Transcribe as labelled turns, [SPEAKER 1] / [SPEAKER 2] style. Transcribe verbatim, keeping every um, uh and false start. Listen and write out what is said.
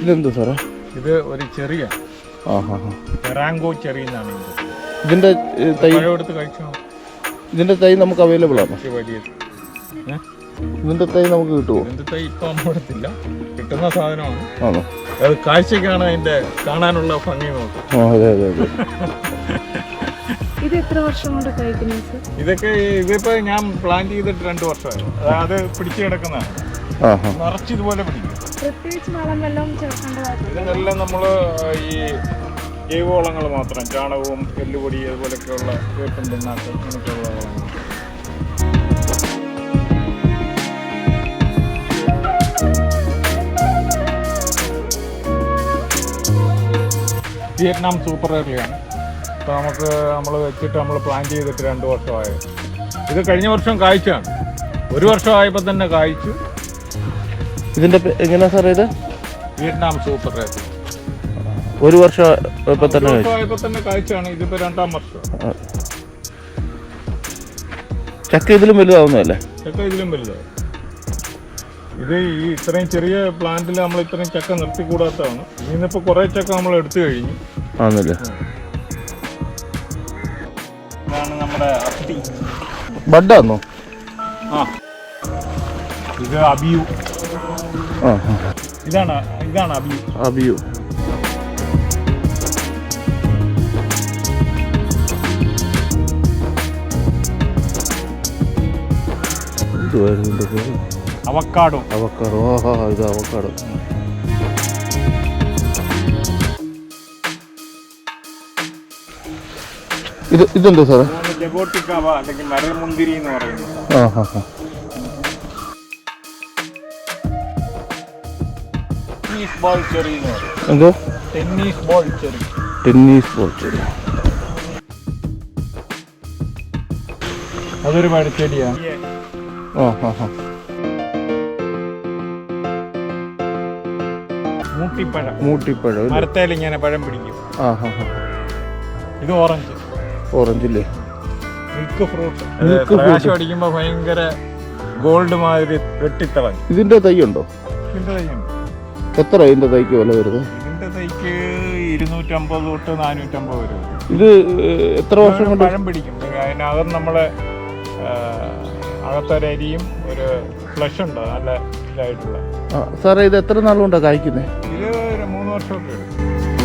[SPEAKER 1] ഇതെന്താ സാറേ?
[SPEAKER 2] ഇത് ഒരു ചെറിയ റാങ്കോ ചെറിയ എന്നാണ്
[SPEAKER 1] ഇതിന്റെ തൈ
[SPEAKER 2] എടുത്ത് കഴിച്ചോ.
[SPEAKER 1] ഇതിന്റെ തൈ നമുക്ക് അവൈലബിൾ ആണോ? ഇതിന്റെ തൈ നമുക്ക് കിട്ടുമോ?
[SPEAKER 2] ഇതിന്റെ തൈ ഇപ്പൊ നമ്മളിടത്തില്ല, കിട്ടുന്ന സാധനമാണ്.
[SPEAKER 1] ആണോ?
[SPEAKER 2] അത് കാഴ്ചക്കാണ് അതിന്റെ കാണാനുള്ള ഭംഗി നോക്കും.
[SPEAKER 1] അതെ അതെ അതെ.
[SPEAKER 3] ഇത് എത്ര വർഷം കൊണ്ട് കഴിക്കുന്നത്?
[SPEAKER 2] ഇതൊക്കെ ഇതിപ്പോ ഞാൻ പ്ലാൻ ചെയ്തിട്ട് രണ്ടു വർഷമായി. അത് പിടിച്ചു കിടക്കുന്നതാണ്, നിറച്ച് ഇതുപോലെ പിടിക്കും.
[SPEAKER 3] പ്രത്യേകിച്ച് വളം വെള്ളം ചേർക്കേണ്ടതായിട്ട്
[SPEAKER 2] ഇതിനെല്ലാം നമ്മള് ഈ ജൈവവളങ്ങൾ മാത്രം, ചാണകവും എല്ലുപൊടി അതുപോലെയൊക്കെയുള്ള വേപ്പൻ പിണ്ണാക്ക് അങ്ങനെയൊക്കെയുള്ള വളങ്ങൾ. വിയറ്റ്നാം സൂപ്പർ എയർലിയാണ്. അപ്പോൾ നമുക്ക് നമ്മൾ വെച്ചിട്ട് നമ്മൾ പ്ലാൻ ചെയ്തിട്ട് രണ്ട് വർഷമായി. ഇത് കഴിഞ്ഞ വർഷം കായ്ച്ചാണ്, ഒരു വർഷമായപ്പോൾ തന്നെ കായ്ച്ചു.
[SPEAKER 1] ഇതിന്റെ എങ്ങനെയാ സാറേ ഇത്?
[SPEAKER 2] വിയറ്റ്നാം സൂപ്പർ എയർലി
[SPEAKER 1] ഒരു വർഷം തന്നെ
[SPEAKER 2] ആയപ്പോൾ തന്നെ കായ്ച്ചാണ്. ഇതിപ്പോ രണ്ടാം വർഷം.
[SPEAKER 1] ചക്ക ഇതിലും വലുതാവുന്നതല്ലേ?
[SPEAKER 2] ചക്ക ഇതിലും വലുതാവും. ഇത് ഈ ഇത്രയും ചെറിയ പ്ലാന്റിൽ നമ്മൾ ഇത്രയും ചക്ക നിർത്തിക്കൂടാത്തതാണ്. ഇന്നിപ്പോൾ കുറേ ചക്ക നമ്മൾ എടുത്തു കഴിഞ്ഞു.
[SPEAKER 1] ആണല്ലേ?
[SPEAKER 2] ഇതാണ് നമ്മുടെ അത്തി.
[SPEAKER 1] ബഡാന്നോ?
[SPEAKER 2] ആ, ഇത് അബിയു.
[SPEAKER 1] ആ,
[SPEAKER 2] ഇതാണ് ഇതാണ് അബിയു.
[SPEAKER 1] അബിയു.
[SPEAKER 2] അവക്കാഡോ.
[SPEAKER 1] അവക്കാഡോ. ആ ഇത് അവക്കാഡോ. ഇത് ഇതെന്താ സാറേ?
[SPEAKER 2] ജബോട്ടിക്കാവ അല്ലെങ്കിൽ മരമുന്തിരി എന്ന് പറയുന്നത്.
[SPEAKER 1] ആ ഹാ ഹാ.
[SPEAKER 2] ടെന്നീസ് ബോൾ ചെറി എന്ന് പറയും.
[SPEAKER 1] എന്തോ?
[SPEAKER 2] Tennis ball cherry.
[SPEAKER 1] Tennis ball cherry.
[SPEAKER 2] അതൊരു മരച്ചെടിയാണ്.
[SPEAKER 1] ആ ഹാ ഹാ.
[SPEAKER 2] മൂട്ടിപ്പഴം.
[SPEAKER 1] മൂട്ടിപ്പഴം
[SPEAKER 2] മരത്തേൽ ഇങ്ങനെ പഴം പിടിക്കും.
[SPEAKER 1] ആ ഹാ ഹാ.
[SPEAKER 2] ഇത് ഓറഞ്ച്.
[SPEAKER 1] ഓറഞ്ചില്ലേ?
[SPEAKER 2] Milk fruit. പ്രകാശം അടിക്കുമ്പോൾ ഭയങ്കര ഗോൾഡ് മാതിരി വെട്ടിത്തിളങ്ങി.
[SPEAKER 1] ഇതിന്റെ തൈ ഉണ്ടോ?
[SPEAKER 2] ഇതിന്റെ തൈയുണ്ട്.
[SPEAKER 1] എത്ര ഇതിന്റെ തൈക്ക് വില വരുന്നത്?
[SPEAKER 2] ഇതിന്റെ തൈക്ക് ഇരുന്നൂറ്റമ്പത് തൊട്ട് നാനൂറ്റമ്പത് വരെ.
[SPEAKER 1] ഇത് എത്ര വർഷം കൊണ്ട്
[SPEAKER 2] പഴം പിടിക്കും? അതിനകത്ത് നമ്മള് അകത്തൊരരിയും ഒരു ഫ്ലഷ് ഉണ്ട് നല്ല ഇതായിട്ടുള്ള.
[SPEAKER 1] സാറേ ഇത് എത്ര നാളുകൊണ്ടാണ് കായ്ക്കുന്നത്?
[SPEAKER 2] ഇത് ഒരു മൂന്ന് വർഷമൊക്കെ എടുക്കും.